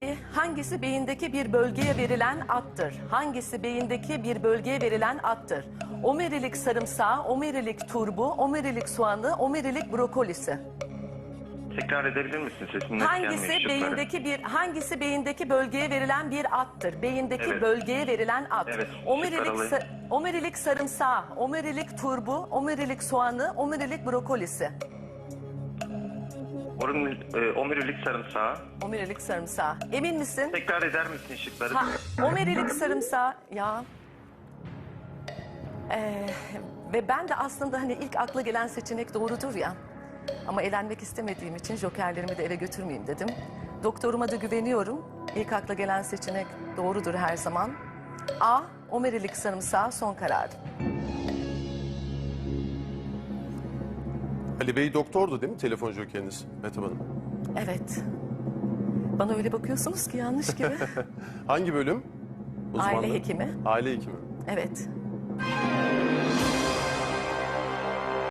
Hangisi beyindeki bir bölgeye verilen addır? Hangisi beyindeki bir bölgeye verilen addır? Omurilik sarımsağı, omurilik turbu, omurilik soğanı, omurilik brokolisi. Tekrar edebilir misin? Sesin net Hangisi gelmiyor. hangisi beyindeki bölgeye verilen bir addır? Beyindeki Evet. bölgeye verilen ad. Evet, Omurilik, şıklar alayım. omurilik sarımsağı, omurilik turbu, omurilik soğanı, omurilik brokolisi. Omurilik sarımsağı. Omurilik sarımsağı. Emin misin? Tekrar eder misin şıkları? Omurilik sarımsağı ya. Ve ben de aslında hani ilk akla gelen seçenek doğrudur ya. Ama elenmek istemediğim için jokerlerimi de eve götürmeyeyim dedim. Doktoruma da güveniyorum. İlk akla gelen seçenek doğrudur her zaman. A. Omurilik sarımsağı son kararım. Ali Bey doktordu değil mi telefon jokeriniz Mehtap Hanım? Evet. Bana öyle bakıyorsunuz ki yanlış gibi. Hangi bölüm? Uzmanlığı? Aile hekimi. Aile hekimi. Evet.